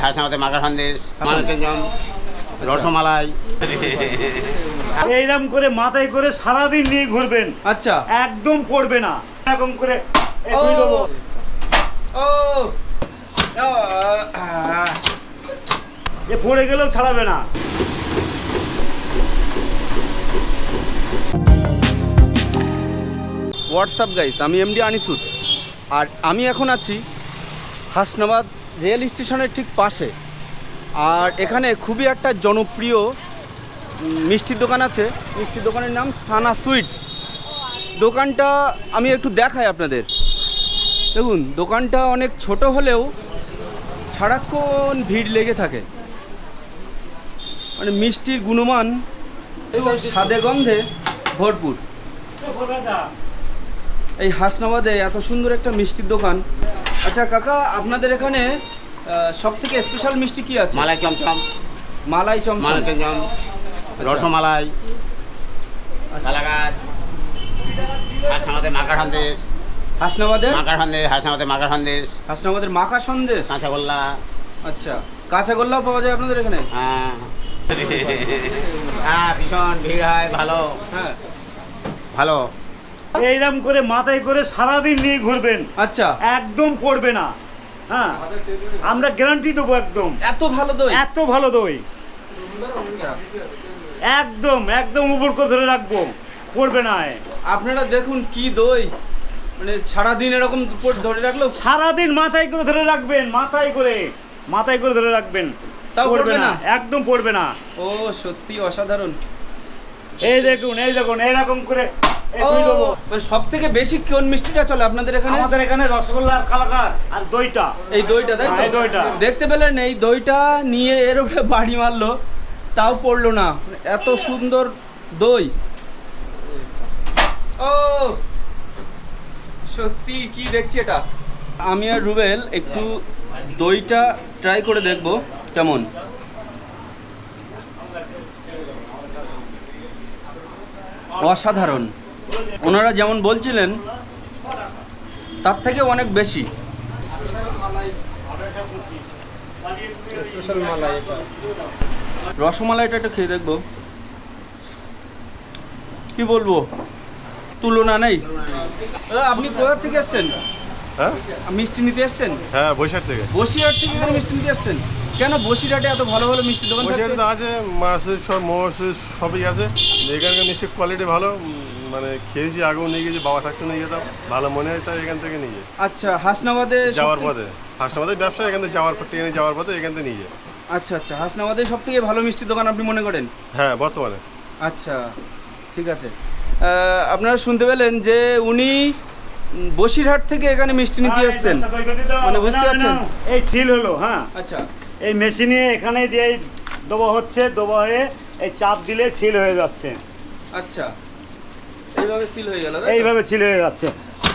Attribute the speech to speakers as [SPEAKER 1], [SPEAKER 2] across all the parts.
[SPEAKER 1] হাসনাবাদে মাখার সন্দেশ, মানচঞ্চম, রসমালাই।
[SPEAKER 2] এইরকম করে মাথায় করে সারাদিন নিয়ে ঘুরবেন।
[SPEAKER 3] আচ্ছা,
[SPEAKER 2] একদম পড়বে না। এরকম করে এই
[SPEAKER 3] ও
[SPEAKER 2] দুই দেবো।
[SPEAKER 3] ও
[SPEAKER 2] এ পড়ে গেলেও ছাড়াবে না।
[SPEAKER 3] হোয়াটসঅ্যাপ গাইস, আমি এমডি আনিসুদ, আর আমি এখন আছি হাসনাবাদ রেল স্টেশনের ঠিক পাশে। আর এখানে খুবই একটা জনপ্রিয় মিষ্টির দোকান আছে। মিষ্টির দোকানের নাম সানা সুইটস। দোকানটা আমি একটু দেখাই আপনাদের। দেখুন, দোকানটা অনেক ছোট হলেও সারাক্ষণ ভিড় লেগে থাকে। মানে মিষ্টির গুণমান এবং স্বাদে গন্ধে ভরপুর। এই হাসনাবাদে এত সুন্দর একটা মিষ্টির দোকান। আচ্ছা কাকা, আপনাদের এখানে সব থেকে স্পেশাল মিষ্টি কি আছে?
[SPEAKER 1] মালাই চমচম,
[SPEAKER 3] মালাই চমচম,
[SPEAKER 1] মানচঞ্চম, রসমালাই, কালাকাঁদ, হাসনাবাদে মাখার সন্দেশ,
[SPEAKER 3] হাসনাবাদের
[SPEAKER 1] মাখার সন্দেশ, হাসনাবাদে মাখার সন্দেশ,
[SPEAKER 3] হাসনাবাদের মাখা সন্দেশ।
[SPEAKER 1] কাঁচাগোল্লা।
[SPEAKER 3] আচ্ছা, কাঁচাগোল্লাও পাওয়া যায় আপনাদের এখানে?
[SPEAKER 1] হ্যাঁ হ্যাঁ, ভীষণ ভিড় হয়, ভালো
[SPEAKER 3] হ্যাঁ,
[SPEAKER 1] ভালো।
[SPEAKER 2] এইরকম করে মাথায় করে সারাদিন নিয়ে ঘুরবেন।
[SPEAKER 3] আচ্ছা,
[SPEAKER 2] একদম পড়বে না। হ্যাঁ, আমরা গ্যারান্টি দেবো। একদম
[SPEAKER 3] এত ভালো দই?
[SPEAKER 2] এত ভালো দই।
[SPEAKER 3] আচ্ছা,
[SPEAKER 2] একদম একদম উপর করে ধরে রাখবো, পড়বে না।
[SPEAKER 3] আপনারা দেখুন কি দই, মানে সারাদিন এরকম ধরে রাখলেও
[SPEAKER 2] সারাদিন মাথায় করে ধরে রাখবেন, মাথায় করে ধরে রাখবেন,
[SPEAKER 3] তাও পড়বে না?
[SPEAKER 2] একদম পড়বে না।
[SPEAKER 3] ও সত্যি অসাধারণ।
[SPEAKER 2] এই দেখুন এইরকম করে এই দুই দেবো।
[SPEAKER 3] সব থেকে বেশি কোন মিষ্টিটা চলে আপনাদের এখানে?
[SPEAKER 2] আমাদের এখানে রসগোল্লা আর কালাকাঁদ আর দইটা।
[SPEAKER 3] এই দইটা, তাই তো?
[SPEAKER 2] এই দইটা
[SPEAKER 3] দেখতে পেলেন, এই দইটা নিয়ে এর উপরে বাড়ি মারলো, তাও পড়লো না। এত সুন্দর দই। ও সত্যি কি দেখছি এটা। আমি আর রুবেল একটু দইটা ট্রাই করে দেখব কেমন। অসাধারণ। ওনারা যেমন বলছিলেন তার থেকে অনেক বেশি। রসমালাইটা একটু খেয়ে দেখবো, কি বলবো, তুলনা নেই। দাদা, আপনি কোথা থেকে এসছেন?
[SPEAKER 4] হ্যাঁ
[SPEAKER 3] মিষ্টি নিতে এসছেন?
[SPEAKER 4] হ্যাঁ, বৈশাখ থেকে।
[SPEAKER 3] বসিরহাট থেকে এখানে মিষ্টি নিতে এসছেন? কেন বসিরহাটে এত ভালো ভালো মিষ্টি দোকান
[SPEAKER 4] বৈশাখে
[SPEAKER 3] থাকে?
[SPEAKER 4] তো আছে, মাছের সব মোয়াশের সবই আছে। এখানকার মিষ্টির কোয়ালিটি ভালো, মানে খেয়েছি, আগেও নিয়ে গেছি, বাবা থাকতে নিয়ে যেতাম, ভালো মনে হয় তাই এখান থেকে নিয়ে যাই।
[SPEAKER 3] আচ্ছা, হাসনাবাদে
[SPEAKER 4] যাওয়ার পথে, হাসনাবাদের ব্যবসা, এখান থেকে যাওয়ার পর ট্রেনে যাওয়ার পথে এখান থেকে নিয়ে যায়।
[SPEAKER 3] আচ্ছা আচ্ছা, হাসনাবাদে সব থেকে ভালো মিষ্টির দোকান আপনি মনে করেন?
[SPEAKER 4] হ্যাঁ, বর্তমানে।
[SPEAKER 3] আচ্ছা, ঠিক আছে। আপনারা শুনতে পেলেন যে উনি বসিরহাট থেকে এখানে মিষ্টি নিতে এসছেন, মানে বুঝতে পারছেন?
[SPEAKER 2] এই সিল হলো। হ্যাঁ,
[SPEAKER 3] আচ্ছা,
[SPEAKER 2] এই মেশিনে এখানে দিয়ে দেওয়া হচ্ছে, দেওয়া হয়ে এই চাপ দিলে সিল হয়ে যাচ্ছে।
[SPEAKER 3] আচ্ছা, এইভাবে সিল হয়ে গেল,
[SPEAKER 2] এইভাবে সিল হয়ে যাচ্ছে।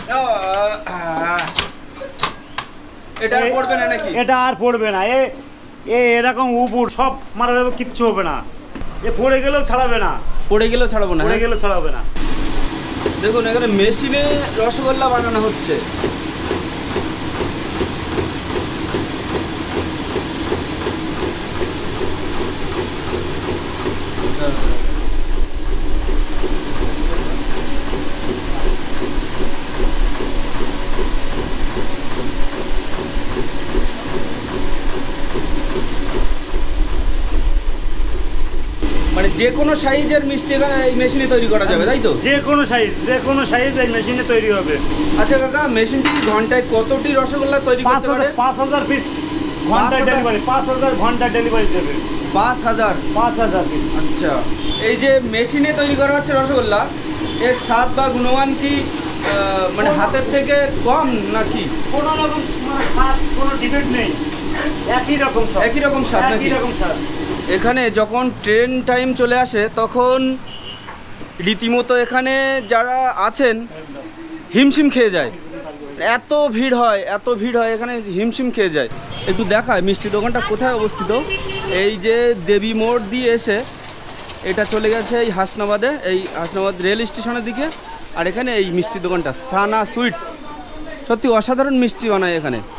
[SPEAKER 3] এটা আর পড়বে না নাকি?
[SPEAKER 2] এটা আর পড়বে না। এরকম উপর সব মারা যাবে, কিচ্ছু হবে না। এ পড়ে গেলেও ছাড়াবে না।
[SPEAKER 3] পড়ে গেলেও ছাড়াবো না?
[SPEAKER 2] পড়ে গেলেও ছাড়াবে না।
[SPEAKER 3] দেখুন, এখানে মেশিনে রসগোল্লা বানানো হচ্ছে। মানে যে কোনো সাইজের মিষ্টি এখানে এই মেশিনে তৈরি করা যাবে, তাই তো?
[SPEAKER 2] যে কোনো সাইজ এই মেশিনে তৈরি হবে।
[SPEAKER 3] আচ্ছা কাকা, মেশিনটি ঘন্টায় কতটি রসগোল্লা তৈরি করতে পারে?
[SPEAKER 2] 5,000 পিস ঘন্টায়
[SPEAKER 3] 5,000
[SPEAKER 2] ডেলিভারি। 5,000 ঘন্টা ডেলিভারি দেবে।
[SPEAKER 3] 5,000?
[SPEAKER 2] 5,000 পিস।
[SPEAKER 3] আচ্ছা, এই যে মেশিনে তৈরি করা হচ্ছে রসগোল্লা, এর স্বাদ বা গুণমান কি মানে হাতের থেকে কম নাকি?
[SPEAKER 2] কোনো রকম স্বাদ, কোনো ডিবেট নেই। একই রকম স্বাদ।
[SPEAKER 3] একই রকম স্বাদ নাকি?
[SPEAKER 2] একই রকম স্বাদ।
[SPEAKER 3] এখানে যখন ট্রেন টাইম চলে আসে তখন রীতিমতো এখানে যারা আছেন হিমশিম খেয়ে যায়। এত ভিড় হয় এখানে, হিমশিম খেয়ে যায়। একটু দেখায় মিষ্টি দোকানটা কোথায় অবস্থিত। এই যে দেবী মোড় দিয়ে এসে এটা চলে গেছে এই হাসনাবাদে, এই হাসনাবাদ রেল স্টেশনের দিকে। আর এখানে এই মিষ্টি দোকানটা সানা সুইটস, সত্যি অসাধারণ মিষ্টি বানায় এখানে।